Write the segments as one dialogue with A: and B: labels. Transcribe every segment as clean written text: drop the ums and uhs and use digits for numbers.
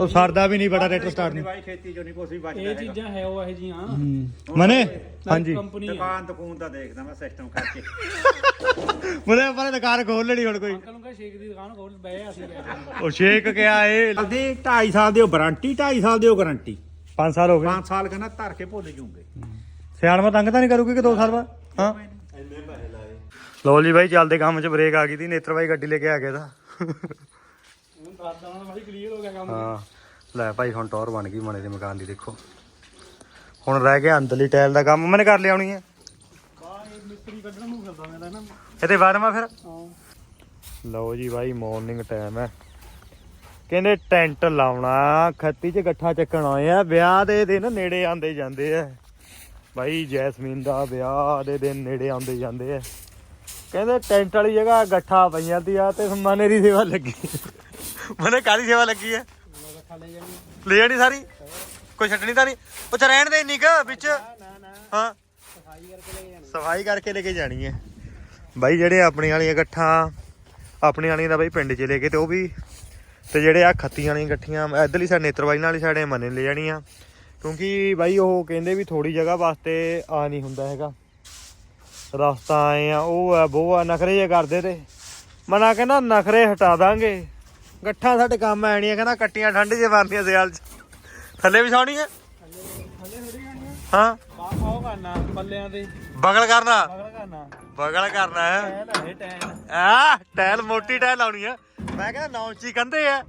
A: ਉਹ ਸਰਦਾ ਵੀ ਨਹੀਂ ਬੜਾ ਟਰੈਕਟਰ ਸਟਾਰਟ ਨਹੀਂ
B: ਬਾਈ ਖੇਤੀ ਚੋਂ ਨਹੀਂ ਕੁਛ ਵੀ ਬਚਦਾ
C: ਇਹ ਚੀਜ਼ਾਂ ਹੈ ਉਹ ਇਹ ਜੀਆਂ
A: ਮਨੇ ਹਾਂਜੀ
C: ਕੰਪਨੀ
B: ਦੁਕਾਨ ਦਾ ਦੇਖਦਾ ਮੈਂ ਸਿਸਟਮ ਕਰਕੇ
A: ਮਨੇ ਆਪਾਂ ਦੁਕਾਨ ਖੋਲ ਲੈਣੀ ਹੁਣ ਕੋਈ
C: ਅੰਕਲ ਨੂੰ ਕਹੇ ਸ਼ੇਕ ਦੀ ਦੁਕਾਨ ਖੋਲ ਬਹਿ ਅਸੀਂ
A: ਉਹ ਸ਼ੇਕ ਕਿਆ ਏ
B: ਚੱਲਦੀ 2.5 ਸਾਲ ਦੀ ਉਹ ਵਾਰੰਟੀ 2.5 ਸਾਲ ਦੀ ਉਹ ਗਾਰੰਟੀ
A: 5 ਸਾਲ ਹੋ ਗਏ
B: 5 ਸਾਲ ਕਹਿੰਦਾ ਧਰ ਕੇ ਭੁੱਲ ਜੂਗੇ
A: ਸਿਆਣ ਮੈਂ ਤੰਗ ਤਾਂ ਨਹੀਂ ਕਰੂਗੀ ਕਿ 2 ਸਾਲ ਬਾਅਦ ਹਾਂ ਲੋ ਜੀ ਬਾਈ ਚੱਲਦੇ ਕੰਮ 'ਚ ਬ੍ਰੇਕ ਆ ਗਈ ਤੀ ਨੇਤਰ ਬਾਈ ਗੱਡੀ ਲੈ ਕੇ ਆ ਗਿਆ ਤਾਂ
C: ਹੁਣ ਦੱਸਦਾ ਹੁਣ ਭਾਈ ਕਲੀਅਰ ਹੋ ਗਿਆ ਕੰਮ
A: ਹਾਂ ਲੈ ਭਾਈ ਹੁਣ ਟੌਰ ਬਣ ਗਈ ਮਣੇ ਦੇ ਮਕਾਨ ਦੀ ਦੇਖੋ ਹੁਣ ਰਹਿ ਗਿਆ ਅੰਦਰਲੀ ਟਾਇਲ ਦਾ ਕੰਮ ਮੈਨੇ ਕਰ ਲਿਆਉਣੀ ਹੈ
C: ਬਾਹਰ ਇਹ ਮਿਸਤਰੀ ਕੱਢਣ ਨੂੰ ਫਿਰਦਾ ਮੇਰਾ ਨਾ
A: ਇਹਦੇ ਬਾਅਦ ਫਿਰ
C: ਹਾਂ
A: ਲਓ ਜੀ ਬਾਈ ਮਾਰਨਿੰਗ ਟਾਈਮ ਹੈ ਕਹਿੰਦੇ ਟੈਂਟ ਲਾਉਣਾ ਖੱਤੀ 'ਚ ਗੱਠਾ ਚੱਕਣ ਆਏ ਆ ਵਿਆਹ ਦੇ ਦਿਨ ਨੇੜੇ ਆਉਂਦੇ ਜਾਂਦੇ ਆ ਬਾਈ ਜੈਸਮੀਨ ਦਾ ਵਿਆਹ ਦੇ ਦਿਨ ਨੇੜੇ ਆਉਂਦੇ ਜਾਂਦੇ ਆ ਕਹਿੰਦੇ ਟੈਂਟ ਵਾਲੀ ਜਗ੍ਹਾ ਗੱਠਾ ਪਈ ਜਾਂਦੀ ਆ ਤੇ ਮਨੇ ਦੀ ਸੇਵਾ ਲੱਗੀ ਮਨੇ ਕਾਹਦੀ ਸੇਵਾ ਲੱਗੀ ਹੈ ਲੈ ਜਾਣੀ ਸਾਰੀ ਕੋਈ ਛੱਡਣੀ ਤਾਂ ਨਹੀਂ ਪੁੱਛ ਰਹਿਣ ਦੇ ਇੰਨੀ ਕੁ ਵਿੱਚ ਹਾਂ ਸਫਾਈ ਕਰਕੇ ਲੈ ਕੇ ਜਾਣੀ ਹੈ ਬਾਈ ਜਿਹੜੇ ਆਪਣੀ ਵਾਲੀਆਂ ਗੱਠਾਂ ਆਪਣੀ ਵਾਲੀਆਂ ਦਾ ਬਾਈ ਪਿੰਡ 'ਚ ਲੈ ਕੇ ਤੇ ਉਹ ਵੀ ਤੇ ਜਿਹੜੇ ਆ ਖੱਤੀਆਂ ਵਾਲੀਆਂ ਗੱਠੀਆਂ ਇੱਧਰਲੀ ਸਾਈਡ ਨੇਤਰ ਬਾਈ ਨਾਲ ਸਾਡੇ ਮਨੇ ਲੈ ਜਾਣੀਆਂ ਕਿਉਂਕਿ ਬਾਈ ਉਹ ਕਹਿੰਦੇ ਵੀ ਥੋੜੀ ਜਗ੍ਹਾ ਵਾਸਤੇ ਆ ਨਹੀਂ ਹੁੰਦਾ ਹੈਗਾ ਰਸਤਾ ਆਏ ਆ ਉਹ ਆ ਬੋ ਆ ਨਖਰੇ ਜੇ ਕਰਦੇ ਤੇ ਮਨਾ ਕਹਿੰਦਾ ਨਖਰੇ ਹਟਾ ਦਾਂਗੇ ਗੱਠਾਂ ਸਾਡੇ ਕੰਮ ਆਣੀਆਂ ਕਹਿੰਦਾ ਕੱਟੀਆਂ ਠੰਡ 'ਚ ਮਾਰਨੀਆਂ ਸਿਆਲ 'ਚ ਥੱਲੇ ਵਿਛਾਉਣੀ ਹੈ ਹਾਂ
C: ਉਹ ਕਰਨਾ ਬੱਲਿਆਂ ਦੇ
A: ਬਗਲ ਕਰਨਾ
C: ਕਰਨਾ
A: ਬਗਲ ਕਰਨਾ ਹੈ
C: ਟੈਨ
A: ਆ ਟਾਇਲ ਮੋਟੀ ਟਾਇਲ ਲਾਉਣੀ ਆ ਮੈਂ ਕਹਿੰਦਾ 9 ਇੰਚੀ ਕੰਧੇ ਆ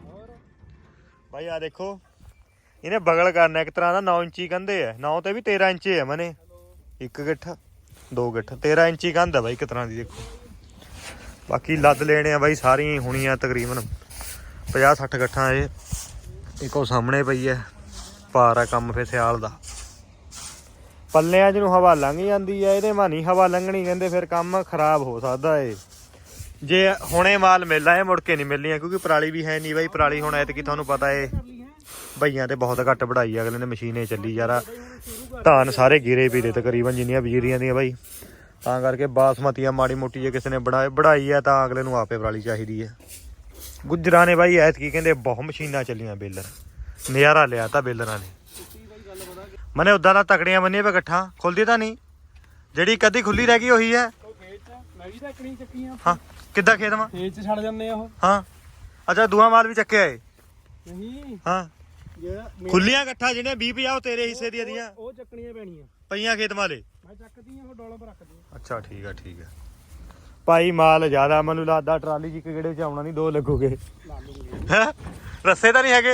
A: ਭਾਈ ਆ ਦੇਖੋ ਇਹਨੇ ਬਗਲ ਕਰਨਾ ਇੱਕ ਤਰ੍ਹਾਂ ਦਾ 9 ਇੰਚੀ ਕੰਧੇ ਆ 9 ਤੇ ਵੀ 13 ਇੰਚੀ ਆ ਮਨੇ ਇੱਕ ਗਿੱਠ 2 ਗਿੱਠ 13 ਇੰਚੀ ਕੰਧ ਆ ਬਾਈ ਇੱਕ ਤਰ੍ਹਾਂ ਦੀ ਦੇਖੋ ਬਾਕੀ ਲੱਦ ਲੈਣੇ ਆ ਬਾਈ ਸਾਰੀਆਂ ਹੋਣੀਆਂ ਤਕਰੀਬਨ 50-60 ਗੱਠਾਂ ਇਹ ਇੱਕ ਉਹ ਸਾਹਮਣੇ ਪਈ ਐ ਪਾਰ ਆ ਕੰਮ ਫੇ ਸਿਆਲ ਦਾ ਪੱਲਿਆਂ 'ਚ ਨੂੰ ਹਵਾ ਲੰਘ ਜਾਂਦੀ ਐ ਇਹਦੇ ਮਾਨੀ ਹਵਾ ਲੰਘਣੀ ਕਹਿੰਦੇ ਫਿਰ ਕੰਮ ਖਰਾਬ ਹੋ ਸਕਦਾ ਏ ਜੇ ਹੁਣੇ ਮਾਲ ਮਿਲਣਾ ਹੈ ਮੁੜ ਕੇ ਨਹੀਂ ਮਿਲਣੀਆਂ ਕਿਉਂਕਿ ਪਰਾਲੀ ਵੀ ਹੈ ਨਹੀਂ ਬਾਈ ਪਰਾਲੀ ਹੁਣ ਐਤਕੀ ਤੁਹਾਨੂੰ ਪਤਾ ਏ ਬਈਆਂ ਤੇ ਬਹੁਤ ਘੱਟ ਵਢਾਈ ਅਗਲੇ ਨੇ ਮਸ਼ੀਨੇ ਚੱਲੀ ਯਾਰਾ ਧਾਨ ਸਾਰੇ ਗਿਰੇ ਪੀਰੇ ਤਕਰੀਬਨ ਜਿੰਨੀਆਂ ਬਜੀਰੀਆਂ ਦੀਆਂ ਬਾਈ ਤਾਂ ਕਰਕੇ ਬਾਸਮਤੀਆਂ ਮਾੜੀ ਮੋਟੀ ਜੇ ਕਿਸੇ ਨੇ ਵਢਾਈ ਹੈ ਤਾਂ ਅਗਲੇ ਨੂੰ ਆਪੇ ਪਰਾਲੀ ਚਾਹੀਦੀ ਹੈ ਗੁੱਜਰਾਂ ਨੇ ਬਾਈ ਐਤਕੀ ਕਹਿੰਦੇ ਬਹੁਤ ਮਸ਼ੀਨਾਂ ਚੱਲੀਆਂ ਬੇਲਰ ਨਜ਼ਾਰਾ ਲਿਆ ਤਾਂ ਬੇਲਰਾਂ ਨੇ ਮਨੇ ਉਦਾਂ ਦਾ ਤਕੜੀਆਂ ਬੰਨੀਆਂ ਪਏ ਗੱਠਾਂ ਖੁੱਲਦੀ ਤਾਂ ਨਹੀਂ ਜਿਹੜੀ ਕਦੀ ਖੁੱਲੀ ਰਹਿ ਗਈ ਉਹੀ ਹੈ
C: ਮੈਂ ਵੀ ਤਾਂ ਕਣੀ ਚੱਕੀਆਂ
A: ਹਾਂ ਕਿੱਦਾਂ ਖੇਤ ਮਾ
C: ਖੇਤ 'ਚ ਛੱਡ ਜਾਂਦੇ ਆ ਉਹ
A: ਹਾਂ ਅੱਛਾ ਦੂਆ ਮਾਲ ਵੀ ਚੱਕਿਆ ਏ
C: ਨਹੀਂ
A: ਹਾਂ ਖੁੱਲੀਆਂ ਗੱਠਾਂ ਜਿਹਨੇ 20-50 ਉਹ ਤੇਰੇ ਹਿੱਸੇ ਦੀਆਂ ਦੀਆਂ
C: ਉਹ ਚੱਕਣੀਆਂ ਪੈਣੀਆਂ
A: ਪਈਆਂ ਖੇਤ ਮਾਲੇ
C: ਮੈਂ ਚੱਕਦੀ ਆ ਉਹ ਡੋਲਾਂ 'ਤੇ ਰੱਖਦੀ
A: ਅੱਛਾ ਠੀਕ ਆ ਭਾਈ ਮਾਲ ਜ਼ਿਆਦਾ ਮੈਨੂੰ ਲੱਗਦਾ ਟਰਾਲੀ 'ਚ ਇੱਕ ਗੇੜੇ 'ਚ ਆਉਣਾ ਨਹੀਂ 2 ਲੱਗੋਗੇ ਹੈ ਰੱਸੇ ਤਾਂ ਨਹੀਂ ਹੈਗੇ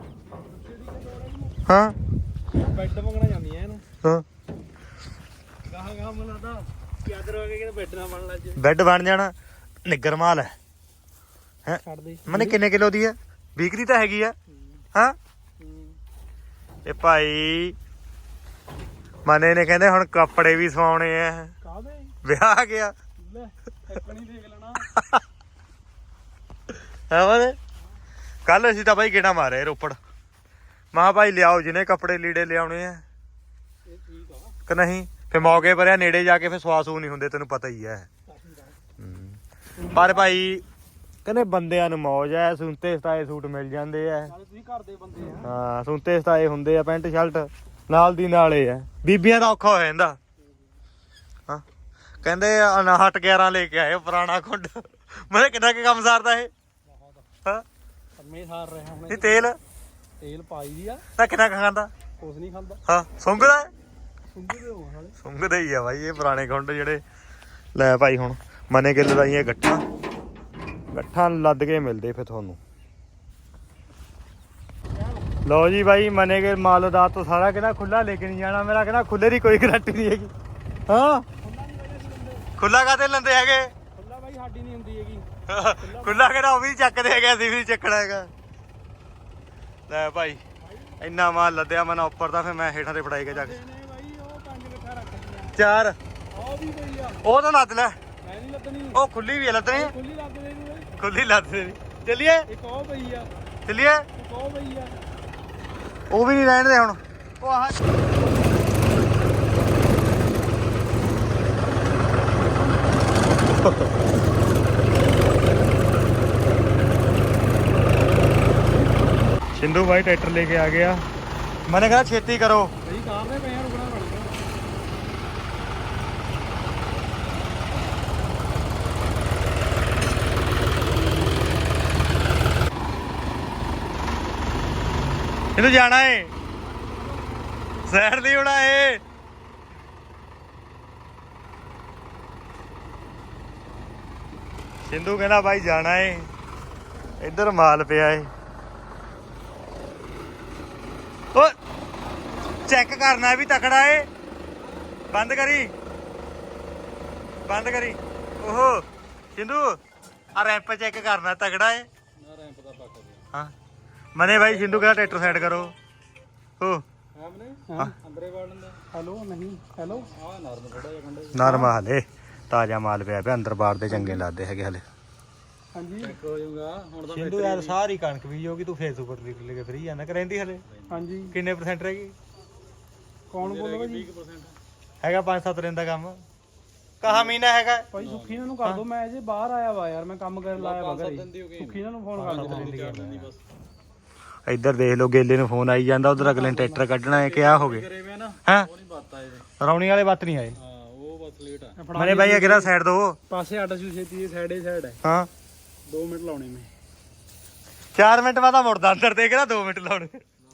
A: ਹਾਂ
C: ਬੈੱਡ ਮੰਗਣਾ ਜਾਂਦੀਆਂ ਇਹਨੂੰ
A: ਹਾਂ
C: ਗਾਹਾਂ ਮੈਨੂੰ ਲੱਗਦਾ ਚਾਦਰ ਹੋ ਕੇ ਕਿਤੇ ਬੈੱਡ ਨਾ ਬਣ ਲੱਜ
A: ਬੈੱਡ ਬਣ ਜਾਣਾ ਨਿੱਗਰ ਮਾਲ ਹੈ
C: ਛੱਡ ਦੇ
A: ਮਨੇ ਕਿੰਨੇ ਕਿਲੋ ਦੀ ਹੈ 20 ਦੀ ਤਾਂ ਹੈਗੀ ਆ ਹਾਂ ਇਹ ਭਾਈ ਮਨੇ ਨੇ ਕਹਿੰਦੇ ਹੁਣ ਕੱਪੜੇ ਵੀ ਸਵਾਉਣੇ ਆ
C: ਕਾਹਦੇ
A: ਵਿਆਹ ਆ ਗਿਆ
C: ਲੈ ਚੱਕਣੀ ਦੇਖ ਲੈਣਾ
A: ਹੈ ਮਨੇ ਕੱਲ ਅਸੀਂ ਤਾਂ ਬਾਈ ਗੇੜਾ ਮਾਰਿਆ ਰੋਪੜ ਮਹਾ ਭਾਈ ਲਿਆਓ ਜਿਹਨੇ ਕੱਪੜੇ ਲੀੜੇ ਲਿਆਉਣੇ ਆ
C: ਇਹ ਠੀਕ ਆ
A: ਕਿ ਨਹੀਂ ਫੇ ਮੌਕੇ ਪਰਿਆ ਨੇੜੇ ਜਾ ਕੇ ਫੇ ਸਵਾਸੂ ਨਹੀਂ ਹੁੰਦੇ ਤੈਨੂੰ ਪਤਾ ਹੀ ਹੈ ਪਰ ਭਾਈ ਕਹਿੰਦੇ ਬੰਦਿਆਂ ਨੂੰ ਮੌਜ ਐ ਸੁੰਤੇ ਸਤਾਏ ਸੂਟ ਮਿਲ ਜਾਂਦੇ ਐ
C: ਨਾਲੇ ਤੁਸੀਂ ਘਰ ਦੇ ਬੰਦੇ ਆ
A: ਹਾਂ ਸੁੰਤੇ ਸਤਾਏ ਹੁੰਦੇ ਆ ਪੈਂਟ ਸ਼ਰਟ ਨਾਲ ਦੀ ਨਾਲੇ ਆ ਬੀਬੀਆਂ ਦਾ ਔਖਾ ਹੋ ਜਾਂਦਾ ਹਾਂ ਕਹਿੰਦੇ ਅਨਾਹਟ 11 ਲੈ ਕੇ ਆਏ ਪੁਰਾਣਾ ਖੁੰਡ ਮੈਂ ਕਿੰਨਾ ਕੁ ਕੰਮ ਸਾਰਦਾ ਇਹ ਹਾਂ
C: ਕੰਮੇ ਸਾਰ ਰਿਹਾ ਹੁਣ
A: ਇਹ ਤੇਲ
C: ਪਾਈ ਦੀ ਆ
A: ਤਾਂ ਕਿੰਨਾ ਕੁ ਖਾਂਦਾ
C: ਕੁਛ ਨਹੀਂ ਖਾਂਦਾ
A: ਹਾਂ ਸੁੰਘਦਾ
C: ਸੁੰਘਦੇ ਹੋ ਹਾਲੇ
A: ਸੁੰਘਦੇ ਹੀ ਆ ਬਾਈ ਇਹ ਪੁਰਾਣੇ ਖੁੰਡ ਜਿਹੜੇ ਲੈ ਭਾਈ ਹੁਣ ਮਨੇ ਗਿੱਲ ਦਾ ਇਹ ਗੱਠਾਂ ਲੱਦ ਕੇ ਮਿਲਦੇ ਫਿਰ ਤੁਹਾਨੂੰ ਲਓ ਜੀ ਬਾਈ ਮਨੇ ਕੇ ਮਾਲ ਦਾ ਤਾਂ ਸਾਰਾ ਕਹਿੰਦਾ ਖੁੱਲਾ ਲੈ ਕੇ ਨਹੀਂ ਜਾਣਾ ਮੇਰਾ ਕਹਿੰਦਾ ਖੁੱਲੇ ਦੀ ਕੋਈ ਗਰੰਟੀ ਨਹੀਂ ਹੈਗੀ ਹਾਂ ਖੁੱਲਾ ਕਾਤੇ ਲੈਂਦੇ ਹੈਗੇ
C: ਖੁੱਲਾ ਬਾਈ ਸਾਡੀ ਨਹੀਂ ਹੁੰਦੀ ਹੈਗੀ
A: ਖੁੱਲਾ ਕਿਹੜਾ ਉਹ ਵੀ ਚੱਕਦੇ ਹੈਗੇ ਅਸੀਂ ਵੀ ਚੱਕਣਾ ਹੈਗਾ ਲੈ ਭਾਈ ਇੰਨਾ ਮਾਲ ਲੱਦਿਆ ਮਨਾ ਉੱਪਰ ਦਾ ਫਿਰ ਮੈਂ ਹੇਠਾਂ ਤੇ ਫੜਾਈ ਕੇ ਜਾ ਕੇ
C: ਬਾਈ ਉਹ 5 ਗੱਠਾ ਰੱਖਦੀਆਂ
A: 4
C: ਉਹ ਵੀ ਪਈ ਆ
A: ਉਹ ਤਾਂ ਲੱਦ ਲੈ
C: ਮੈਂ ਨਹੀਂ ਲੱਦਣੀ
A: ਉਹ ਖੁੱਲੀ ਵੀ ਹੈ ਲੱਦਣੀ
C: ਖੁੱਲੀ ਲੱਦ ਦੇ ਨੂੰ ਬਾਈ
A: ਖੁੱਲੀ ਲੱਦ ਦੇ ਚੱਲੀਏ
C: ਇੱਕ ਉਹ ਪਈ ਆ
A: ਚੱਲੀਏ
C: ਇੱਕ ਉਹ ਪਈ ਆ
A: ਉਹ ਵੀ ਨਹੀਂ ਰਹਿਣ ਦੇ ਹੁਣ ਉਹ ਆਹ ਸਿੰਧੂ ਬਾਈ ਟਰੈਕਟਰ ਲੈ ਕੇ ਆ ਗਿਆ ਮੈਨੇ ਕਿਹਾ ਛੇਤੀ ਕਰੋ
C: ਸਹੀ ਕਾਰ ਦੇ ਪਏ ਰੁਕਣਾ ਪੜ ਗਿਆ
A: ਇਹਨੂੰ ਜਾਣਾ ਏ ਸਾਈਡ ਦੀ ਹੋਣਾ ਏ ਸਿੰਧੂ ਕਹਿੰਦਾ ਬਾਈ ਜਾਣਾ ਏ ਇੱਧਰ ਮਾਲ ਪਿਆ ਏ ਓ ਚੈੱਕ ਕਰਨਾ ਵੀ ਤਕੜਾ ਏ ਬੰਦ ਕਰੀ ਓਹੋ ਸਿੰਧੂ ਆ ਰੈਂਪ ਚੈੱਕ ਕਰਨਾ ਤਕੜਾ ਏ
C: ਨਾ ਰੈਂਪ ਦਾ ਪੱਕ ਗਿਆ
A: ਹਾਂ ਮਨੇ ਬਾਈ ਸਿੰਧੂ ਕਹਿੰਦਾ ਟਰੈਕਟਰ ਸਾਈਡ ਕਰੋ ਹੋ
C: ਹਾਂ ਅੰਦਰੇ ਵਾੜਨ ਦਾ ਹੈਲੋ ਨਹੀਂ ਹੈਲੋ ਆ ਨਰਮ ਥੋੜਾ ਜਿਹਾ ਕੰਡੇ
A: ਨਰਮ ਹਲੇ ਤਾਜ਼ਾ ਮਾਲ ਪਿਆ ਪਿਆ ਅੰਦਰ ਬਾੜ ਦੇ ਚੰਗੇ ਲੱਗਦੇ ਹੈਗੇ ਹਲੇ
C: ਹਾਂਜੀ ਚੈੱਕ ਹੋ ਜਾਊਗਾ ਹੁਣ ਤਾਂ
A: ਸਿੰਧੂ ਯਾਰ ਸਾਰੀ ਕਣਕ ਬੀਜ ਹੋਗੀ ਤੂੰ ਫੇਸ ਉੱਪਰ ਲੈ ਕੇ ਫਰੀ ਜਾਂਦਾ ਕਰੈਂਦੀ ਹਲੇ
C: ਹਾਂਜੀ
A: ਕਿੰਨੇ % ਰਹਿ ਗਈ
C: ਕੌਣ ਬੋਲੂਗਾ ਜੀ 20%
A: ਹੈਗਾ 5-7 ਦਿਨ ਦਾ ਕੰਮ ਕਹਾ ਮਹੀਨਾ ਹੈਗਾ
C: ਭਾਈ ਸੁੱਖੀ ਇਹਨਾਂ ਨੂੰ ਕਰ ਦੋ ਮੈਂ ਅਜੇ ਬਾਹਰ ਆਇਆ ਵਾ ਯਾਰ ਮੈਂ ਕੰਮ ਕਰਨ ਲਾਇਆ ਵਾ ਘਰੇ ਸੁੱਖੀ ਇਹਨਾਂ ਨੂੰ ਫੋਨ ਕਰ ਦੋ
A: ਇੱਧਰ ਦੇਖ ਲਓ ਗੇਲੇ ਨੂੰ ਫੋਨ ਆਈ ਜਾਂਦਾ ਉਧਰ ਅਗਲੇ ਨੇ ਟਰੈਕਟਰ ਕੱਢਣਾ ਹੈ ਕਿਆ ਹੋ ਗਏ ਹਾਂ ਰੌਣੀ ਵਾਲੇ ਬੱਤ ਨਹੀਂ ਆਏ
C: ਉਹ ਬਸ ਲੇਟ ਆ
A: ਮਨੇ ਬਾਈ ਅਗਰਾ ਸਾਈਡ ਦੋ
C: ਪਾਸੇ ਆਟਾ ਛੇਤੀ ਦੀ ਸਾਈਡ ਹੈ
A: ਹਾਂ
C: 2 ਮਿੰਟ ਲਾਉਣੇ ਮੈਂ
A: 4 ਮਿੰਟ ਬਾਅਦ ਮੁੜਦਾ ਅੰਦਰ ਦੇਖ ਨਾ 2 ਮਿੰਟ ਲਾਉਣੇ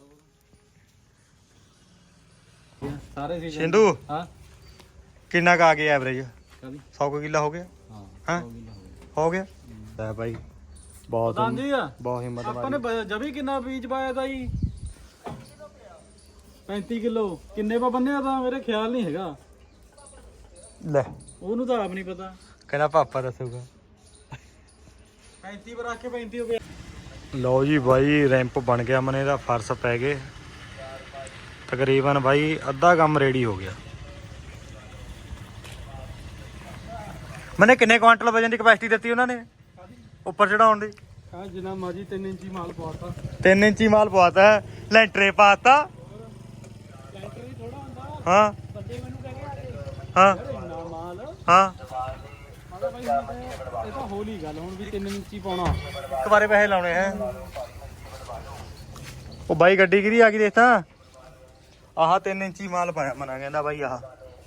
C: ਸਾਰੇ ਸੀ
A: ਸਿੰਧੂ
C: ਹਾਂ
A: ਕਿੰਨਾ ਕ ਆ ਗਿਆ ਐਵਰੇਜ
C: ਕਾਦੀ
A: 100 ਕਿੱਲਾ ਹੋ ਗਿਆ ਹਾਂ ਹੋ ਗਿਆ ਲੈ ਭਾਈ ਬਹੁਤ
C: ਦਾਂਦੀ ਆ
A: ਬਹੁਤ ਹਿੰਮਤ
C: ਆਪਾਂ ਨੇ ਜਬੀ ਕਿੰਨਾ ਬੀਜ ਪਾਇਆ ਤਾ ਜੀ 35 ਕਿਲੋ ਕਿੰਨੇ ਪਾ ਬੰਨਿਆ ਤਾਂ ਮੇਰੇ ਖਿਆਲ ਨਹੀਂ ਹੈਗਾ
A: ਲੈ
C: ਉਹਨੂੰ ਤਾਂ ਆਪ ਨਹੀਂ ਪਤਾ
A: ਕਹਿੰਦਾ ਪਾਪਾ ਦੱਸੂਗਾ
C: 35 ਪਰ ਰੱਖ ਕੇ 35 ਹੋ ਗਿਆ
A: ਲਓ ਜੀ ਬਾਈ ਰੈਂਪ ਬਣ ਗਿਆ ਮਨੇ ਦਾ ਫਰਸ਼ ਪੈ ਗਏ ਤਕਰੀਬਨ ਬਾਈ ਅੱਧਾ ਕੰਮ ਰੈਡੀ ਹੋ ਗਿਆ ਮਨੇ ਕਿੰਨੇ ਕੁਆਂਟਲ ਵਜਨ ਦੀ ਕਪੈਸਿਟੀ ਦਿੱਤੀ ਉਹਨਾਂ ਨੇ ਉੱਪਰ ਚੜਾਉਣ ਦੀ
C: ਹਾਂ ਜਿੰਨਾ ਮਰਜੀ 3 ਇੰਚੀ ਮਾਲ ਪਵਾਤਾ
A: 3 ਇੰਚੀ ਮਾਲ ਪਵਾਤਾ ਲੈਂਟਰੇ ਪਾਤਾ
C: ਲੈਂਟਰ ਵੀ ਥੋੜਾ ਹੁੰਦਾ
A: ਹਾਂ
C: ਬੰਦੇ ਮੈਨੂੰ ਕਹਿੰਦੇ
A: ਹਾਂ
C: ਇੰਨਾ ਮਾਲ
A: ਹਾਂ
C: ਮਾਦਾ ਭਾਈ ਇਹ ਤਾਂ ਹੋਲੀ ਗੱਲ ਹੁਣ ਵੀ 3 ਇੰਚੀ ਪਾਉਣਾ
A: ਇੱਕ ਵਾਰੇ ਪੈਸੇ ਲਾਉਣੇ ਹੈ ਉਹ ਬਾਈ ਗੱਡੀ ਕਿਹਦੀ ਆ ਗਈ ਦੇਖ ਤਾਂ ਆਹ 3 ਇੰਚੀ ਮਾਲ ਪਾਇਆ ਮਨਾ ਕਹਿੰਦਾ ਬਾਈ ਆਹ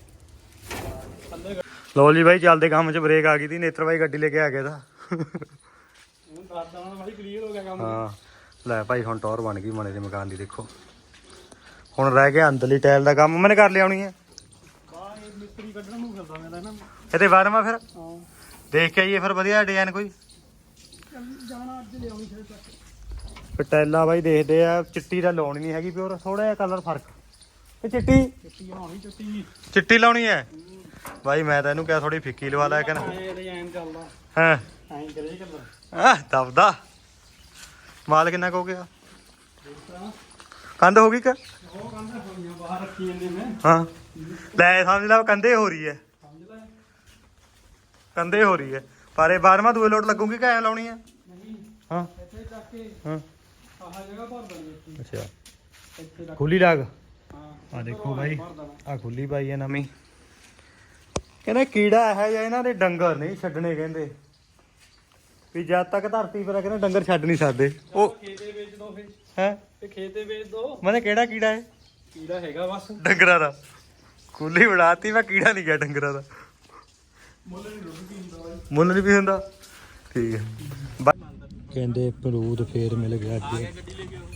A: ਲਓ ਜੀ ਬਾਈ ਚੱਲਦੇ ਕੰਮ 'ਚ ਬ੍ਰੇਕ ਆ ਗਈ ਤੀ ਨੇਤਰ ਬਾਈ ਗੱਡੀ ਲੈ ਕੇ ਆ ਗਿਆ ਤਾਂ
C: ਹੁਣ ਦੱਸਦਾ ਹੁਣ ਭਾਈ ਕਲੀਅਰ ਹੋ ਗਿਆ ਕੰਮ
A: ਹਾਂ ਲੈ ਭਾਈ ਹੁਣ ਟੌਰ ਬਣ ਗਈ ਮਨੇ ਦੇ ਮਕਾਨ ਦੀ ਦੇਖੋ ਹੁਣ ਰਹਿ ਗਿਆ ਅੰਦਰਲੀ ਟਾਇਲ ਦਾ ਕੰਮ ਮੈਨੇ ਕਰ ਲਿਆਉਣੀ ਹੈ
C: ਬਾਹਰ ਇਹ ਮਿਸਤਰੀ ਕੱਢਣ ਨੂੰ ਫਿਰਦਾ ਮੇਰਾ ਨਾ
A: ਇਹ ਤੇ ਬਾਰਵਾਂ ਫਿਰ
C: ਹਾਂ
A: ਦੇਖ ਕੇ ਆਈਏ ਫਿਰ ਵਧੀਆ ਡਿਜ਼ਾਈਨ ਕੋਈ
C: ਜਾਣਾ ਅੱਜ ਲਿਆਉਣੀ ਫਿਰ ਤੱਕ
A: ਫਿਰ ਟਾਇਲਾਂ ਬਾਈ ਦੇਖਦੇ ਆ ਚਿੱਟੀ ਦਾ ਲਾਉਣੀ ਨਹੀਂ ਹੈਗੀ ਪਿਓਰ ਥੋੜਾ ਜਿਹਾ ਕਲਰ ਫਰਕ ਇਹ ਚਿੱਟੀ
C: ਚਿੱਟੀ ਬਣਾਉਣੀ ਚਿੱਟੀ
A: ਚਿੱਟੀ ਲਾਉਣੀ ਹੈ ਬਾਈ ਮੈਂ ਤਾਂ ਇਹਨੂੰ ਕਿਹਾ ਥੋੜੀ ਫਿੱਕੀ ਲਵਾ ਲੈ ਕੇ ਨਾ
C: ਇਹ ਡਿਜ਼ਾਈਨ ਚੱਲਦਾ
A: ਹਾਂ
C: ਐਂ ਕਰੇ ਕਲਰ
A: ਦਬਦਾ ਮਾਲ ਕਿੰਨਾ ਕੁ ਹੋ ਗਿਆ ਕੰਧ ਹੋ ਗਈ ਕਿ
C: ਉਹ ਕੰਧ ਹੋਈਆਂ ਬਾਹਰ ਰੱਖੀ ਜਾਂਦੇ ਮੈਂ
A: ਹਾਂ ਲੈ ਸਮਝ ਲਾ ਕੰਧੇ ਹੋ ਰਹੀ ਹੈ
C: ਸਮਝ ਲੈ
A: ਕੰਧੇ ਹੋ ਰਹੀ ਹੈ ਪਰ ਇਹ 12ਵਾਂ ਦੂਏ ਲੋਟ ਲੱਗੂਗੀ ਕਿ ਐ ਲਾਉਣੀ ਹੈ
C: ਨਹੀਂ
A: ਹਾਂ
C: ਇੱਥੇ ਚੱਕ ਕੇ
A: ਹਾਂ
C: ਆਹ ਜਗ੍ਹਾ ਭਰ ਦੇਣੀ ਇੱਥੇ
A: ਅੱਛਾ
C: ਇੱਥੇ ਰੱਖ
A: ਖੁੱਲੀ ਲਾਗ
C: ਹਾਂ
A: ਆ ਦੇਖੋ ਬਾਈ
C: ਭਰ ਦੇਣਾ
A: ਆ ਖੁੱਲੀ ਪਾਈ ਹੈ ਨਵੀਂ ਕਹਿੰਦੇ ਕੀੜਾ ਹੈ ਜਾਂ ਇਹਨਾਂ ਦੇ ਡੰਗਰ ਨਹੀਂ ਛੱਡਣੇ ਕਹਿੰਦੇ ਵੀ ਜਦ ਤੱਕ ਧਰਤੀ ਪਰ ਆ ਕਹਿੰਦੇ ਡੰਗਰ ਛੱਡ ਨਹੀਂ ਸਕਦੇ ਉਹ
C: ਖੇਤੇ ਵੇਚ ਦੋ ਫੇ
A: ਹੈ
C: ਤੇ ਖੇਤੇ ਵੇਚ ਦੋ
A: ਮਨੇ ਕਿਹੜਾ ਕੀੜਾ ਹੈ
C: ਕੀੜਾ ਹੈਗਾ ਬਸ
A: ਡੰਗਰਾਂ ਦਾ ਖੁੱਲੀ ਬਣਾਤੀ ਮੈਂ ਕੀੜਾ ਨਹੀਂ ਗਿਆ ਡੰਗਰਾਂ ਦਾ
C: ਮੁੱਲ ਨਹੀਂ ਰੁੱਕ ਪੀਂਦਾ ਬਾਈ
A: ਮੁੱਲ ਨਹੀਂ ਵੀ ਹੁੰਦਾ ਠੀਕ ਹੈ ਕਹਿੰਦੇ ਅਮਰੂਦ ਫੇਰ ਮਿਲ ਗਿਆ ਅੱਜ
C: ਗੱਡੀ ਲੈ ਕੇ ਆਓ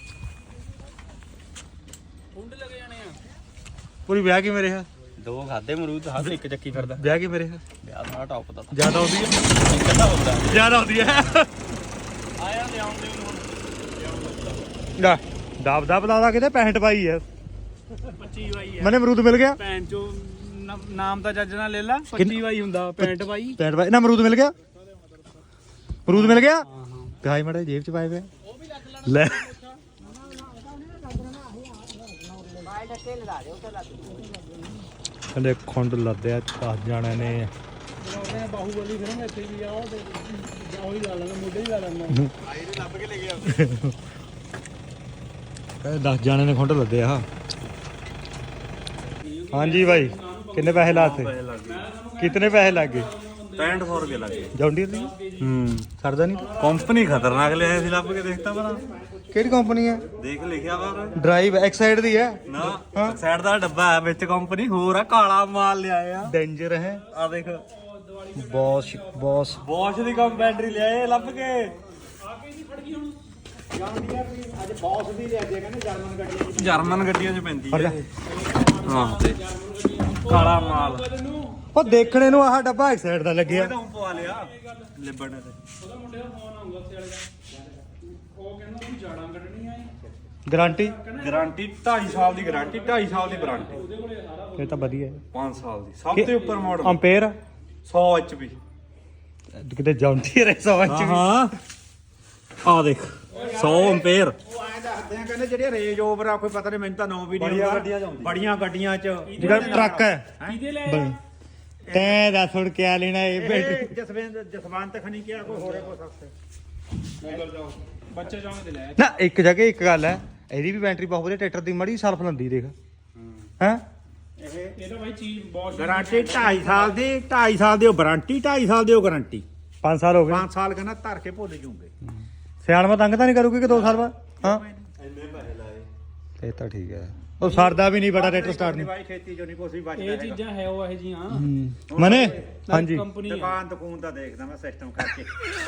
C: ਕੁੰਡ ਲੱਗ ਜਾਣੇ ਆ
A: ਪੂਰੀ ਵਿਆਹ ਕੀ ਮੇਰੇ ਹੈ
C: ਦੋ ਖਾਦੇ ਅਮਰੂਦ ਹੱਥ ਇੱਕ ਚੱਕੀ ਫਿਰਦਾ
A: ਵਿਆਹ ਕੀ ਮੇਰੇ ਹੈ
C: ਵਿਆਹ ਦਾ ਟੌਪ ਦਾ
A: ਜ਼ਿਆਦਾ ਆਉਂਦੀ ਹੈ
C: ਕਿੰਨਾ ਹੁੰਦਾ
A: ਜ਼ਿਆਦਾ ਆਉਂਦੀ ਹੈ
C: ਆਇਆ ਲਿਆਉਣ ਦੇ ਹੁਣ
A: ਲੈ ਦਬ ਦਬ ਲਾਦਾ ਕਿਤੇ 65 ਪਾਈ ਹੈ
C: 25 ਵਾਈ ਹੈ
A: ਮਨੇ ਅਮਰੂਦ ਮਿਲ ਗਿਆ
C: ਭੈਣ ਚੋ ਨਾਮ ਤਾਂ ਜੱਜ ਨਾਲ ਲੈ ਲਾ 25 ਵਾਈ ਹੁੰਦਾ 65 ਵਾਈ
A: 65 ਪਾਈ ਨਾ ਅਮਰੂਦ ਮਿਲ ਗਿਆ ਅਮਰੂਦ ਮਿਲ ਗਿਆ
C: ਹਾਂ ਹਾਂ
A: ਗਾਈ ਮੜੇ ਜੇਬ ਚ ਪਾਏ ਪਏ ਲੈ ਕਹਿੰਦੇ ਖੁੰਡ ਲੱਦਿਆ 10 ਜਾਣਿਆਂ ਨੇ
C: ਉਹਨੇ ਬਾਹੂਬਲੀ ਫਿਲਮ ਇੱਥੇ ਵੀ ਆ ਉਹ ਉਹੀ ਲਾ ਲੈਣਾ ਮੁੱਢੇ ਹੀ ਲਾ ਲੈਣਾ ਆਈ ਦੇ ਲੱਭ ਕੇ ਲੈ ਗਿਆ
A: ਕਹਿੰਦੇ 10 ਜਾਣਿਆਂ ਨੇ ਖੁੰਡ ਲੱਦਿਆ ਹਾਂਜੀ ਭਾਈ ਕਿੰਨੇ ਪੈਸੇ ਲਾਤੇ ਕਿਤਨੇ ਪੈਸੇ ਲੱਗ ਗਏ
D: 6500 ਰੁਪਏ ਲੱਗੇ
A: ਜੌਂਡੀਅਰ ਦੀ ਸਰਦਾ ਨਹੀਂ
D: ਕੰਪਨੀ ਖਤਰਨਾਕ ਲਿਆਇਆ ਸੀ ਲੱਭ ਕੇ ਦੇਖਤਾ ਭਲਾ
A: ਕਿਹੜੀ ਕੰਪਨੀ ਹੈ
D: ਦੇਖ ਲਿਖਿਆ ਵਾ
A: ਡਰਾਈਵ ਐਕਸਾਈਡ ਦੀ ਹੈ
D: ਨਾ ਸਾਈਡ ਦਾ ਡੱਬਾ ਹੈ ਵਿੱਚ ਕੰਪਨੀ ਹੋਰ ਆ ਕਾਲਾ ਮਾਲ ਲਿਆਏ ਆ
A: ਡੇਂਜਰ ਹੈ
D: ਆ ਦੇਖ
A: ਬੌਸ
D: ਬੋਸ਼ ਦੀ ਕੰਮ ਬੈਟਰੀ ਲਿਆਏ ਲੱਭ ਕੇ
B: ਅੱਜ ਬੌਸ ਦੀ ਲਿਆਦੇ ਕਹਿੰਦੇ ਜਰਮਨ ਗੱਡੀਆਂ
D: ਜਰਮਨ ਗੱਡੀਆਂ 'ਚ ਪੈਂਦੀ ਹੈ ਹਾਂ ਤੇ ਕਾਲਾ ਮਾਲ
A: ਉਹ ਦੇਖਣੇ ਨੂੰ ਆਹ ਡੱਬਾ ਐਕਸਾਈਡ ਦਾ ਲੱਗਿਆ
D: ਇਹਦਾ ਪਵਾ ਲਿਆ ਲਿਬੜ ਨੇ ਤੇ
C: ਉਹਦਾ ਮੁੰਡੇ ਦਾ ਫੋਨ ਆਉਂਗਾ ਉੱਥੇ ਵਾਲੇ ਦਾ ਉਹ ਕਹਿੰਦਾ ਤੂੰ ਜਾੜਾਂ ਕੱਢਣੀਆਂ ਏ
A: ਗਾਰੰਟੀ
D: ਗਾਰੰਟੀ 2.5 ਸਾਲ ਦੀ ਗਾਰੰਟੀ 2.5 ਸਾਲ ਦੀ ਵਾਰੰਟੀ
C: ਉਹਦੇ ਕੋਲੇ ਸਾਰਾ
A: ਇਹ ਤਾਂ ਵਧੀਆ ਹੈ
D: 5 ਸਾਲ ਦੀ ਸਭ ਤੋਂ ਉੱਪਰ ਮਾਡਲ
A: ਅੰਪੇਅਰ
D: 100 HP
A: ਕਿਤੇ ਜੌਂਡੀਅਰ ਹੈ 100 ਇੰਚ
D: ਹਾਂ ਆ ਦੇਖ 100 ਐਂਪੀਅਰ
B: ਉਹ ਐਂ ਦੱਸਦੇ ਆ ਕਹਿੰਦੇ ਜਿਹੜੇ ਰੇਂਜ ਓਵਰ ਆ ਕੋਈ ਪਤਾ ਨਹੀਂ ਮੈਨੂੰ ਤਾਂ ਨਾਮ ਵੀ ਨਹੀਂ
D: ਬੜੀਆਂ
B: ਆਉਂਦਾ।
D: ਗੱਡੀਆਂ 'ਚ ਆਉਂਦੀ।
B: ਬੜੀਆਂ ਗੱਡੀਆਂ 'ਚ
A: ਜਿਹੜਾ ਟਰੱਕ ਹੈ
C: ਕਿਹਦੇ ਲੈ
A: ਤੈਂ ਦੱਸ ਹੁਣ ਕਿਆ ਲੈਣਾ ਇਹ ਬੈਟਰੀ
B: ਇਹ ਜਸਵੰਤ ਖਣੀ ਕਿਹਾ ਕੋਈ ਹੋਰੇ ਕੋ ਸਸਤੇ
C: ਬੱਚੇ ਜਾਉਂਦੇ ਲੈ
A: ਨਾ ਇੱਕ ਜਗ੍ਹਾ ਇੱਕ ਗੱਲ ਹੈ ਇਹਦੀ ਵੀ ਬੈਟਰੀ ਬਹੁਤ ਵਧੀਆ ਟਰੈਕਟਰ ਦੀ ਮੜੀ ਸਲਫ ਲੰਦੀ ਦੇਖ ਹੈ
C: ਇਹ ਤਾਂ ਭਾਈ ਚੀਜ਼ ਬਹੁਤ
B: ਗਾਰੰਟੀ 2.5 ਸਾਲ ਦੀ 2.5 ਸਾਲ ਦੀ ਵਾਰੰਟੀ 2.5 ਸਾਲ ਦੀ ਗਾਰੰਟੀ
A: 5 ਸਾਲ ਹੋ ਗਏ
B: 5 ਸਾਲ ਕਹਿੰਦਾ ਧਰ ਕੇ ਭੁੱਲ ਜੂਗੇ
A: ਸਿਆਲ ਮੈਂ ਤੰਗ ਤਾਂ ਨਹੀਂ ਕਰੂਗੀ ਕਿ 2 ਸਾਲ ਬਾਅਦ ਹਾਂ
D: ਇੰਨੇ ਪੈਸੇ ਲਾਏ
A: ਇਹ ਤਾਂ ਠੀਕ ਹੈ ਉਹ ਸਰਦਾ ਵੀ ਨਹੀਂ ਬੜਾ ਟਰੈਕਟਰ ਸਟਾਰਟ ਨਹੀਂ
B: ਭਾਈ ਖੇਤੀ ਚੋਂ ਨਹੀਂ ਕੁਛ ਵੀ ਬਚਦਾ
C: ਇਹ
B: ਹੈਗਾ।
C: ਚੀਜ਼ਾਂ ਹੈ ਉਹ ਇਹ ਜੀਆਂ
A: ਮਨੇ ਹਾਂਜੀ
C: ਕੰਪਨੀ
B: ਦੁਕਾਨ ਦਾ ਦੇਖਦਾ ਮੈਂ ਸਿਸਟਮ ਕਰਕੇ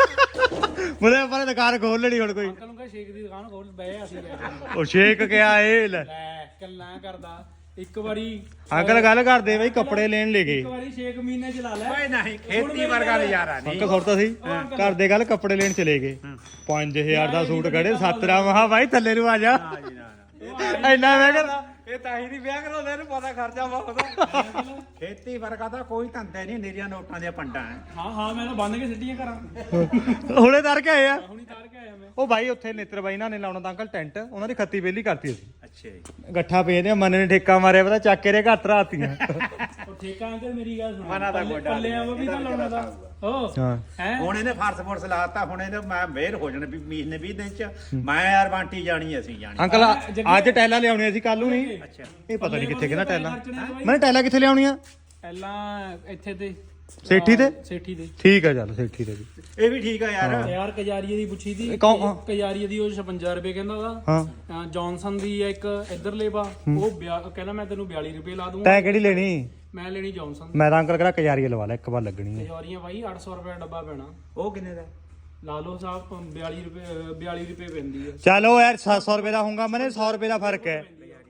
A: ਮਨੇ ਆਪਾਂ ਨੇ ਦੁਕਾਨ ਖੋਲ ਲੈਣੀ ਹੁਣ ਕੋਈ
C: ਅੰਕਲ ਨੂੰ ਕਹ ਸ਼ੇਕ ਦੀ ਦੁਕਾਨ ਖੋਲ ਬਹਿ ਅਸੀਂ ਲੈ
A: ਉਹ ਸ਼ੇਕ ਕਿਆ ਇਹ ਲੈ
C: ਗੱਲਾਂ ਕਰਦਾ ਇੱਕ ਵਾਰੀ
A: ਅੰਕਲ ਗੱਲ ਕਰਦੇ ਬਈ ਕੱਪੜੇ ਲੈਣ ਲੈ ਗਏ
C: ਇੱਕ ਵਾਰੀ 6 ਮਹੀਨੇ ਚਲਾ ਲੈ
B: ਓਏ ਨਹੀਂ ਖੇਤੀ ਵਰਗਾ ਨਜ਼ਾਰਾ ਨਹੀਂ
A: ਅੰਕਲ ਸੁਣਤਾ ਸੀ ਘਰ ਦੇ ਗੱਲ ਕੱਪੜੇ ਲੈਣ ਚਲੇ ਗਏ 5000 ਦਾ ਸੂਟ ਕੜੇ 7 ਰਾ ਮਹਾ ਭਾਈ ਥੱਲੇ ਨੂੰ ਆ ਜਾ
B: ਹਾਂ ਜੀ ਨਾ
A: ਇੰਨਾ ਮੈਂ ਕਹਿੰਦਾ
D: ਇਹ ਤਾਂ ਹੀ ਨਹੀਂ ਵਿਆਹ ਕਰਾਉਂਦੇ ਇਹਨੂੰ ਪਤਾ ਖਰਚਾ ਬਹੁਤ ਆ
B: ਖੇਤੀ ਵਰਗਾ ਤਾਂ ਕੋਈ ਧੰਦਾ ਨਹੀਂ ਨਿਰੀਆਂ ਨੋਟਾਂ ਦੀਆਂ ਪੰਡਾਂ ਹੈ
C: ਹਾਂ ਮੈਂ ਤਾਂ ਬੰਨ ਕੇ ਸਿੱਟੀਆਂ ਕਰਾਂ
A: ਹੁਣੇ ਤਰ ਕੇ ਆਏ ਆ
C: ਹੁਣੀ ਤਾਰ ਕੇ ਆਇਆ ਮੈਂ
A: ਉਹ ਭਾਈ ਉੱਥੇ ਨੇਤਰ ਬਾਈ ਨਾਲ ਨੇ ਲਾਉਣਾ ਤਾਂ ਅੰਕਲ ਟੈਂਟ ਉਹਨਾਂ ਦੀ ਖੱਤੀ ਵੇਲੀ ਕਰਤੀ ਅਸੀਂ
B: ਅੱਛਾ ਜੀ
A: ਗੱਠਾ ਪਏ ਨੇ ਮਨ ਨੇ ਠੇਕਾ ਮਾਰਿਆ ਪਤਾ ਚੱਕ ਕੇ ਰੇ ਘੱਟ ਰਾਤੀਆਂ
C: ਉਹ ਠੇਕਾ ਅੰਕਲ ਮੇਰੀ ਗੱਲ ਸੁਣ
B: ਮਨਾ ਦਾ ਗੋਡਾ
C: ਪੱਲਿਆਂ ਉਹ ਵੀ ਤਾਂ ਲਾਉਣਾ ਦਾ ਹੋ
A: ਹਾਂ
C: ਹੈ
B: ਹੁਣ ਇਹਨੇ ਫਰਸ ਲਾਤਾ ਹੁਣ ਇਹਨੇ ਮੈਂ ਮਿਹਰ ਹੋ ਜਾਣਾ ਵੀ ਮਹੀਨੇ 20 ਦਿਨ ਚ ਮੈਂ ਯਾਰ ਬਾਂਟੀ ਜਾਣੀ ਅਸੀਂ ਜਾਣੀ
A: ਅੰਕਲ ਅੱਜ ਟੈਲਾਂ ਲਿਆਉਣੀਆਂ ਸੀ ਕੱਲ ਨੂੰ ਨਹੀਂ
B: ਅੱਛਾ
A: ਇਹ ਪਤਾ ਨਹੀਂ ਕਿੱਥੇ ਕਿਹਨਾਂ ਟੈਲਾਂ ਮੈਂ ਟੈਲਾਂ ਕਿੱਥੇ ਲਿਆਉਣੀਆਂ
C: ਪਹਿਲਾਂ ਇੱਥੇ ਤੇ
A: ਸੇਠੀ ਤੇ
C: ਸੇਠੀ ਦੇ
A: ਠੀਕ ਹੈ ਚੱਲ ਸੇਠੀ ਤੇ ਜੀ
B: ਇਹ ਵੀ ਠੀਕ ਆ ਯਾਰ
C: ਯਾਰ ਕਜਾਰੀਏ ਦੀ ਪੁੱਛੀ ਦੀ
A: ਇਹ ਕੌਣ-
C: ਕਜਾਰੀਏ ਦੀ ਉਹ 56 ਰੁਪਏ ਕਹਿੰਦਾ ਉਹਦਾ
A: ਹਾਂ
C: ਜੌਨਸਨ ਦੀ ਆ ਇੱਕ ਇੱਧਰ ਲੇਬਾ ਉਹ ਕਹਿੰਦਾ ਮੈਂ ਤੈਨੂੰ 42 ਰੁਪਏ ਲਾ ਦੂੰਗਾ
A: ਤੈਂ ਕਿਹੜੀ ਲੈਣੀ
C: ਮੈਂ ਲੈਣੀ ਜੌਨਸਨ
A: ਮੈਂ ਤਾਂ ਅੰਕਲ ਕਿਹੜਾ ਕਜਾਰੀਆ ਲਵਾ ਲੈ ਇੱਕ ਵਾਰ ਲੱਗਣੀ ਹੈ
C: ਕਜਾਰੀਆਂ ਬਾਈ 800 ਰੁਪਏ ਦਾ ਡੱਬਾ ਪੈਣਾ
B: ਉਹ ਕਿੰਨੇ ਦਾ
C: ਲਾ ਲਓ ਸਾਹਿਬ 42 ਰੁਪਏ ਪੈਂਦੀ ਆ
A: ਚਲੋ ਯਾਰ 700 ਰੁਪਏ ਦਾ ਹੋਊਗਾ ਮੈਨੇ 100 ਰੁਪਏ ਦਾ ਫਰਕ ਹੈ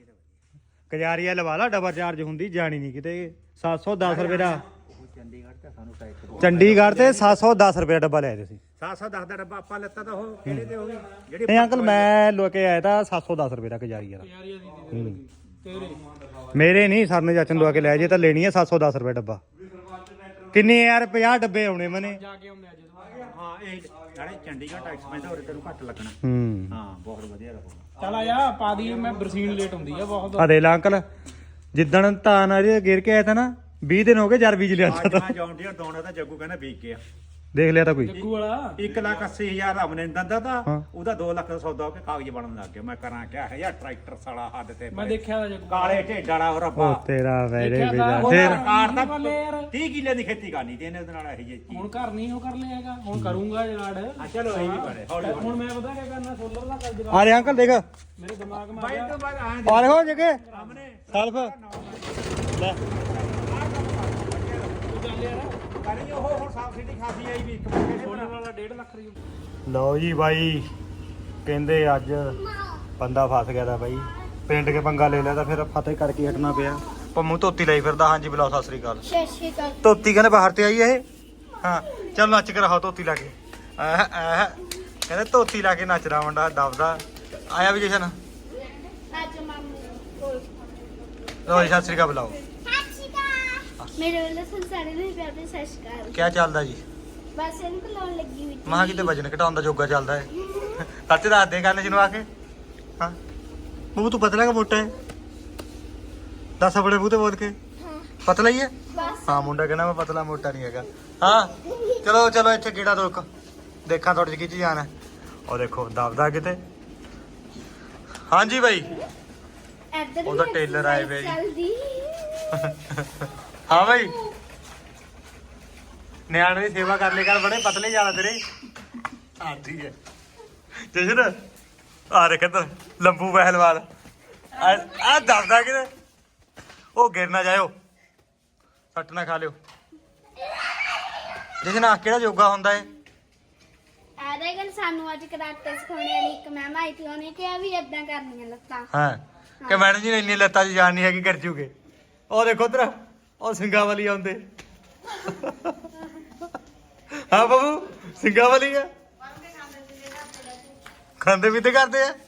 A: ਕਜਾਰੀਆ ਲਵਾ ਲਾ ਡਬਲ ਚਾਰਜ ਹੁੰਦੀ ਜਾਣੀ ਨਹੀਂ ਕਿਤੇ 710 ਰੁਪਏ ਦਾ
B: ਚੰਡੀਗੜ੍ਹ ਤੇ ਸਾਨੂੰ ਟੈਕਸ
A: ਚੰਡੀਗੜ੍ਹ ਤੇ 710 ਰੁਪਏ ਦਾ ਡੱਬਾ ਲਿਆ ਸੀ
B: 710 ਦਾ ਡੱਬਾ ਆਪਾਂ ਲੈਤਾ ਤਾਂ ਉਹ ਕਿਹੜੇ ਤੇ ਹੋ ਗਈ ਜਿਹੜੀ
A: ਨਹੀਂ ਅੰਕਲ ਮੈਂ ਲੈ ਕੇ ਆਇਆ ਤਾਂ 710 ਰੁਪਏ ਦਾ ਕਜਾਰੀਆ ਦਾ
C: ਕਜਾਰੀਆ ਦੀ ਤੇਰੇ
A: ਮੇਰੇ ਨਹੀਂ ਸਰ ਨੇ ਚਾਚਨ ਦਵਾ ਕੇ ਲੈ ਜੇ ਤਾਂ ਲੈਣੀ ਹੈ 710 ਰੁਪਏ ਡੱਬਾ ਕਿੰਨੇ ਯਾਰ 50 ਡੱਬੇ ਆਉਣੇ ਮਨੇ
C: ਜਾ ਕੇ ਆਉਂਦੇ ਅੱਜ
B: ਹਾਂ ਇਹ ਜਿਹੜੇ ਚੰਡੀਗੜ੍ਹ ਟੈਕਸ ਪੈਂਦਾ ਉਹਦੇ ਤੈਨੂੰ ਘੱਟ ਲੱਗਣਾ
A: ਹੂੰ
B: ਹਾਂ ਬਹੁਤ ਵਧੀਆ ਰਹੂਗਾ
C: ਚਲ ਆ ਜਾ ਪਾ ਦੀ ਮੈਂ ਬਰਸੀਨ ਲੇਟ ਹੁੰਦੀ ਆ ਬਹੁਤ
A: ਆ ਦੇ ਲਾ ਅੰਕਲ ਜਿੱਦਣ ਤਾਂ ਨਾ ਗਿਰ ਕੇ ਆਇਆ ਤਾਂ ਨਾ 20 ਦਿਨ ਹੋ ਗਏ ਜਰ ਬੀਜ ਲਿਆ
B: ਅੱਜ ਮੈਂ ਜੌਂਡੀਅਰ ਦੋਣਾ ਤਾਂ ਜੱਗੂ ਕਹਿੰਦਾ ਵੇਚ ਗਿਆ
A: ਦੇਖ ਲਿਆ ਤਾਂ ਕੋਈ
C: ਜੱਗੂ ਵਾਲਾ
B: 1,80,000 ਅਮਨੇ ਦਿੰਦਾ ਤਾਂ
A: ਹਾਂ।
B: ਉਹਦਾ 2 ਲੱਖ ਦਾ ਸੌਦਾ ਹੋ ਕੇ ਕਾਗਜ਼ ਬਣਨ ਲੱਗ ਗਿਆ ਮੈਂ ਕਰਾਂ ਕਿਆ ਹੈ ਯਾਰ ਟਰੈਕਟਰ ਸਾਲਾ ਹੱਦ ਤੇ
C: ਮੈਂ ਦੇਖਿਆ ਤਾਂ ਜੱਗੂ
B: ਕਾਲੇ ਢੇਡ ਵਾਲਾ ਉਹ ਰੱਬਾ
A: ਉਹ ਤੇਰਾ ਵੈਰੇ
C: ਦੇਖਿਆ
A: ਬਿਜਾ
C: ਤਾਂ।
A: ਫਿਰ
B: ਸਰਕਾਰ ਤਾਂ
C: ਬੱਲੇ ਯਾਰ।
B: 30 ਕਿੱਲੇ ਦੀ ਖੇਤੀ ਕਰਨੀ ਤੇ ਇਹਨੇ ਉਹਦੇ ਨਾਲ ਇਹੀ ਜਿਹੀ ਚੀਜ਼
C: ਹੁਣ ਘਰ ਨਹੀਂ ਉਹ ਕਰ ਲਿਆਗਾ ਹੁਣ ਕਰੂੰਗਾ ਜਨਾੜ
B: ਆ ਚਲੋ ਇਹ ਵੀ ਬਣੇ ਹੌਲੀ
C: ਹੁਣ ਮੈਂ ਪਤਾ ਕੀ ਕਰਨਾ ਸੋਲਰ ਦਾ ਕਰ
A: ਆ ਰਿਹਾ ਅੰਕਲ ਦੇਖ
C: ਮੇਰੇ ਦਿਮਾਗ ਮਾ
B: ਬਾਈ
C: ਗਿਆ
B: ਤੋਂ ਬਾਅਦ ਆਂ
A: ਆ ਦੇਖੋ ਜਗੇ
B: ਸਾਹਮਣੇ
A: ਸਲਫ ਲੈ
C: ਚੱਲ ਯਾਰ
B: ਕਰੀ ਉਹ ਹੁਣ ਸਬਸਿਡੀ ਖਾਸੀ ਆਈ ਵੀ ਇੱਕ ਬੰਦੇ
C: ਸੋਲਰ ਵਾਲਾ 1.5 ਲੱਖ ਰੁਪਏ
A: ਲਓ ਜੀ ਬਾਈ ਕਹਿੰਦੇ ਅੱਜ ਬੰਦਾ ਫਸ ਗਿਆ ਦਾ ਬਾਈ ਪਿੰਡ ਕੇ ਪੰਗਾ ਲੈ ਲਿਆ ਤਾਂ ਫਿਰ ਫਤਿਹ ਕਰਕੇ ਹਟਣਾ ਪਿਆ ਪੰਮੂ ਧੋਤੀ ਲਈ ਫਿਰਦਾ ਹਾਂਜੀ ਬੁਲਾਓ ਸਤਿ ਸ੍ਰੀ ਅਕਾਲ
E: ਸਤਿ ਸ਼੍ਰੀ ਅਕਾਲ।
A: ਧੋਤੀ ਕਹਿੰਦੇ ਬਾਹਰ ਤੇ ਆਈ ਇਹ ਹਾਂ ਚੱਲ ਨੱਚ ਕੇ ਰਹਾ ਧੋਤੀ ਲਾ ਕੇ ਕਹਿੰਦੇ ਧੋਤੀ ਲਾ ਕੇ ਨੱਚਦਾ ਮੁੰਡਾ ਦਬਦਾ ਆਇਆ ਵੀ ਜਸ਼ਨ
E: ਅੱਜ ਮਾਮੂ ਕੋਲ
A: ਲਓ ਜੀ ਸਤਿ ਸ੍ਰੀ ਅਕਾਲ ਬੁਲਾਓ
E: ਸਤਿ ਸ਼੍ਰੀ ਅਕਾਲ। ਮੇਰੇ ਵੱਲੋਂ ਤੁਹਾਨੂੰ ਸਾਰੇ ਨੂੰ ਪਿਆਰ ਭਰੀ ਸਤਿ ਸ਼੍ਰੀ ਅਕਾਲ।
A: ਕੀ ਚੱਲਦਾ ਜੀ
E: ਬਸ ਇਹਨੂੰ ਕੋਲ ਲੱਗੀ ਹੋਈ
A: ਮਹਾ ਕਿਤੇ ਵਜਨ ਘਟਾਉਣ ਦਾ ਜੋਗਾ ਚੱਲਦਾ ਹੈ ਸੱਚ ਦੱਸ ਦੇ ਗੱਲ ਜਿਹਨੂੰ ਆ ਕੇ ਹਾਂ ਮੂੰਹ ਤੂੰ ਪਤਲਾ ਕਿ ਮੋਟਾ ਹੈ ਦੱਸ ਆਪਣੇ ਮੂੰਹ ਤੇ ਬੋਲ ਕੇ
E: ਹਾਂ
A: ਪਤਲਾ ਹੀ ਹੈ
E: ਬਸ
A: ਹਾਂ ਮੁੰਡਾ ਕਹਿੰਦਾ ਮੈਂ ਪਤਲਾ ਮੋਟਾ ਨਹੀਂ ਹੈਗਾ ਹਾਂ ਚਲੋ ਚਲੋ ਇੱਥੇ ਕਿਹੜਾ ਦੋ ਦੇਖਾਂ ਤੁਹਾਡੀ ਕੀ ਚੀਜ਼ ਆਣਾ ਉਹ ਦੇਖੋ ਦਬਦਾ ਕਿਤੇ ਹਾਂਜੀ ਬਾਈ
E: ਇੱਧਰ
A: ਉਹਦਾ
E: ਵੀ
A: ਟੇਲਰ ਆਏ ਵੇ ਜੀ।
E: ਚੱਲਦੀ
A: ਹਾਂ ਬਾਈ ਨਿਆਣੇ ਦੀ ਸੇਵਾ ਕਰ ਲਿਆ ਕਰ, ਬੜੇ ਪਤਲੇ ਜਾਣਾ ਤੇਰੇ। ਹਾਂ ਠੀਕ ਹੈ ਜਸ਼ਨ। ਆ ਦੇਖ ਇੱਧਰ ਲੰਬੂ ਪਹਿਲਵਾਨ ਆ ਦਬਦਾ ਕਿਤੇ, ਉਹ ਗਿਰ ਨਾ ਜਾਇਓ, ਸੱਟ ਨਾ ਖਾ ਲਿਓ। ਜਸ਼ਨ ਆ ਕਿਹੜਾ ਯੋਗਾ ਹੁੰਦਾ ਏ?
E: ਆਦੇ ਗੱਲ ਸਾਨੂੰ ਅੱਜ ਕਰਾਟੇ ਸਿਖਾਉਣੇ ਵਾਲੀ ਇੱਕ ਮੈਮ ਆਈ ਸੀ, ਉਹਨੇ ਕਿਹਾ ਵੀ ਏਦਾਂ ਕਰਨੀਆਂ ਲੱਤਾਂ।
A: ਹਾਂ ਕਿ ਮੈਡਮ ਜੀ ਨੇ ਇੰਨੀ ਲੱਤਾਂ 'ਚ ਜਾਣ ਨਹੀਂ ਹੈਗੀ, ਕਰ ਜੂਗੇ। ਉਹ ਦੇਖੋ ਉਧਰ ਉਹ ਸਿੰਘਾਂ ਵਾਲੀ ਆਉਂਦੇ। ਹਾਂ ਬਾਬੂ ਸਿੰਘਾਂ ਵਾਲੀ ਆ, ਖਾਂਦੇ ਵੀ ਤੇ ਕਰਦੇ ਆ।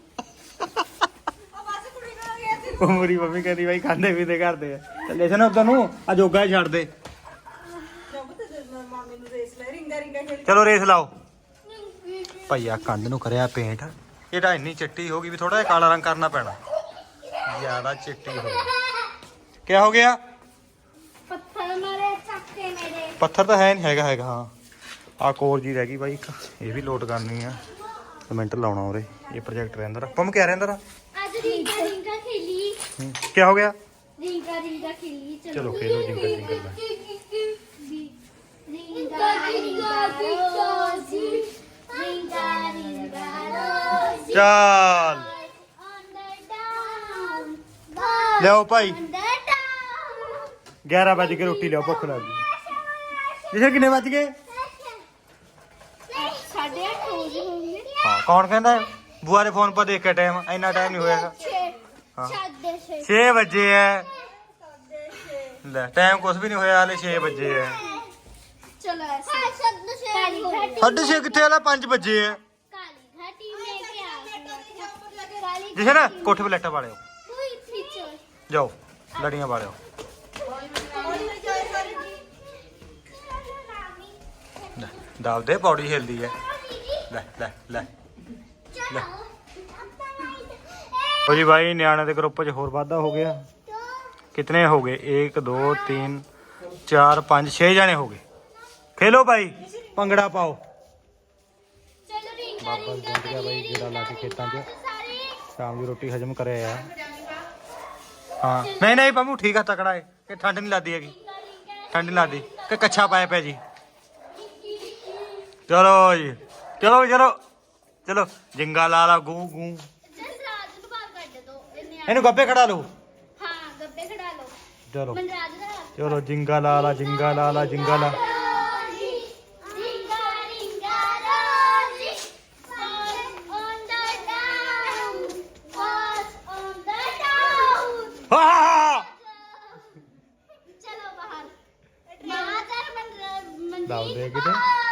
A: ਉਹ ਮੇਰੀ ਮੰਮੀ ਕਹਿੰਦੀ ਬਾਈ ਖਾਂਦੇ ਵੀ ਤੇ ਕਰਦੇ ਆ। ਚੱਲੇ ਸੀ ਨਾ ਉਧਰ ਨੂੰ, ਆ ਜੋਗਾ ਹੀ ਛੱਡ ਦੇ। ਚਲੋ ਰੇਸ ਲਾਓ। ਭਈਆ ਕੰਧ ਨੂੰ ਕਰਿਆ ਪੇਂਟ, ਇਹਦਾ ਇੰਨੀ ਚਿੱਟੀ ਹੋ ਗਈ ਵੀ ਥੋੜਾ ਜਿਹਾ ਕਾਲਾ ਰੰਗ ਕਰਨਾ ਪੈਣਾ, ਜ਼ਿਆਦਾ ਚਿੱਟੀ ਹੋ ਗਈ। ਕੀ ਹੋ ਗਿਆ?
E: ਪੱਥਰ ਮਾਰੇ ਚੱਕੇ ਮੇਰੇ।
A: ਪੱਥਰ ਤਾਂ ਹੈ ਨਹੀਂ, ਹੈਗਾ ਹਾਂ। ਆ ਕੋਰ ਜੀ ਰਹਿ ਗਈ ਬਾਈ ਇੱਕ, ਇਹ ਵੀ ਲੋਡ ਕਰਨੀ ਆ। ਕਮੈਂਟ ਲਾਉਣਾ ਉਰੇ, ਇਹ ਪ੍ਰੋਜੈਕਟ ਰਹਿੰਦਾ ਰਾ। ਪੰਮ ਕਿਆ ਰਹਿੰਦਾ ਰਾ?
E: ਅੱਜ ਰਿੰਗਾ ਰਿੰਗਾ ਖੇਲੀ।
A: ਕੀ ਹੋ ਗਿਆ?
E: ਰਿੰਗਾ ਰਿੰਗਾ ਖੇਲੀ।
A: ਚਲੋ ਖੇਲੋ ਜਿੰਗਲ ਜਿੰਗਲ ਦਾ।
E: ਰਿੰਗਾ ਰਿੰਗਾ ਰੋਜ਼ੀ, ਰਿੰਗਾ ਰਿੰਗਾ ਰੋਜ਼ੀ।
A: ਚੱਲ
E: On the down,
A: ਲਿਆਓ ਭਾਈ,
E: on the down.
A: 11 ਵਜੇ ਕੇ ਰੋਟੀ ਲਿਆਓ, ਭੁੱਖ ਲੱਗ ਗਈ। ਜਿਸੇ ਕਿੰਨੇ ਵੱਜ ਗਏ?
E: 8:30 ਹੋ ਗਏ।
A: ਹਾਂ ਕੌਣ ਕਹਿੰਦਾ? ਬੁਆ ਦੇ ਫੋਨ 'ਪਰ ਦੇਖ ਕੇ ਟਾਈਮ, ਇੰਨਾ ਟਾਈਮ ਨਹੀਂ ਹੋਏਗਾ। ਹਾਂ 6 ਵਜੇ ਐ। ਲੈ ਟਾਈਮ ਕੁਛ ਵੀ ਨਹੀਂ ਹੋਇਆ, ਹਲੇ 6 ਵਜੇ ਐ।
E: ਚਲੋ ऐसे काली घाटी
A: 6:30 ਕਿੱਥੇ ਵਾਲਾ 5 ਵਜੇ ਐ।
E: काली घाटी में क्या काली
A: ਜਿਸੇ ਨਾ ਕੋਠੇ 'ਤੇ ਲੈਟਾ ਵਾਲਿਓ,
E: कोई फीचर
A: ਜਾਓ ਲੜੀਆਂ ਵਾਲਿਓ। ਦੱਬਦੇ ਪੌੜੀ ਹਿਲਦੀ ਐ। ਲੈ ਲੈ ਲੈ ਲੈ। ਉਹ ਜੀ ਭਾਈ ਨਿਆਣੇ ਦੇ ਗਰੁੱਪ 'ਚ ਹੋਰ ਵਾਧਾ ਹੋ ਗਿਆ। ਕਿਤਨੇ ਹੋ ਗਏ? 1 2 3 4 5 6 ਜਣੇ ਹੋ ਗਏ। खेलो भाई, ਭੰਗੜਾ ਪਾਓ।
E: चलो रिंगा
A: ਬਾਬਾ
E: रिंगा
A: ਪਹੁੰਚ ਗਿਆ ਬਾਈ, ਜਿਹੜਾ ਲਾ ਕੇ ਖੇਤਾਂ 'ਚ ਸ਼ਾਮ ਦੀ ਰੋਟੀ ਹਜਮ ਕਰਿਆ ਆ। ਹਾਂ ਨਹੀਂ ਨਹੀਂ ਪੰਮੂ ਠੀਕ ਆ, ਤਕੜਾ ਹੈ ਕਿ ਠੰਡ ਨਹੀਂ ਲੱਗਦੀ ਹੈਗੀ, ਠੰਡ ਨਹੀਂ ਲੱਗਦੀ ਕਿ ਕੱਛਾ ਪਾਇਆ ਪਿਆ ਜੀ। ਚਲੋ ਜੀ ਚਲੋ ਚਲੋ ਚਲੋ ਜਿੰਗਾ ਲਾ ਲਾ ਗੂ ਗੂ।
E: राज ਨੂੰ ਬਾਹਰ ਕੱਢ ਦੋ
A: ਇਹਨੂੰ ਗੱਬੇ ਖੜਾ ਲਓ।
E: ਹਾਂ ਗੱਬੇ ਖੜਾ ਲਓ।
A: ਚਲੋ
E: ਮਨਰਾਜ ਦਾ
A: ਚਲੋ ਜਿੰਗਾ ਲਾ ਲਾ ਜਿੰਗਾ ਲਾ ਲਾ ਜਿੰਗਾ ਲਾ।
E: ਰਿੰਗਾ ਰਿੰਗਾ ਰੋਜ਼ੀ, on the down, on the down.
A: ਹਾਂ
E: चलो बाहर। महाजर
A: दाव दे
E: मंदिर
A: किते?